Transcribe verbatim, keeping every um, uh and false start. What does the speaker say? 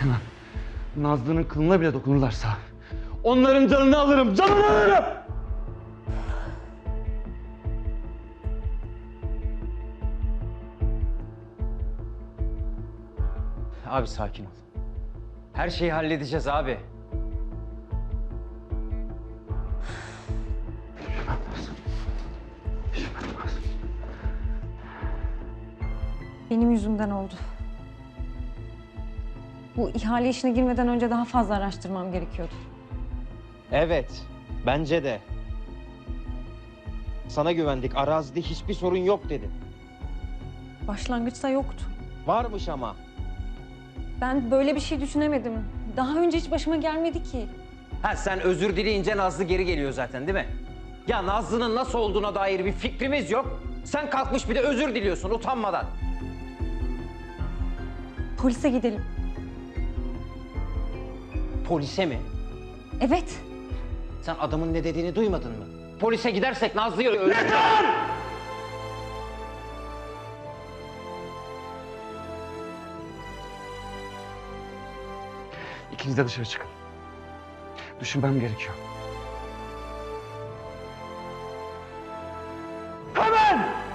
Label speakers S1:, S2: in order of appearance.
S1: Kenan, Nazlı'nın kılına bile dokunurlarsa onların canını alırım, canını alırım!
S2: Abi sakin ol. Her şeyi halledeceğiz abi.
S3: Benim yüzümden oldu. Bu ihale işine girmeden önce daha fazla araştırmam gerekiyordu.
S4: Evet, bence de. Sana güvendik, arazide hiçbir sorun yok dedi.
S3: Başlangıçta yoktu.
S4: Varmış ama.
S3: Ben böyle bir şey düşünemedim. Daha önce hiç başıma gelmedi ki.
S2: Ha sen özür dileyince Nazlı geri geliyor zaten değil mi? Ya Nazlı'nın nasıl olduğuna dair bir fikrimiz yok. Sen kalkmış bir de özür diliyorsun utanmadan.
S3: Polise gidelim.
S2: Polise mi?
S3: Evet.
S2: Sen adamın ne dediğini duymadın mı? Polise gidersek Nazlı'yı öldürür.
S1: İkiniz de dışarı çıkın. Düşünmem gerekiyor. Hemen!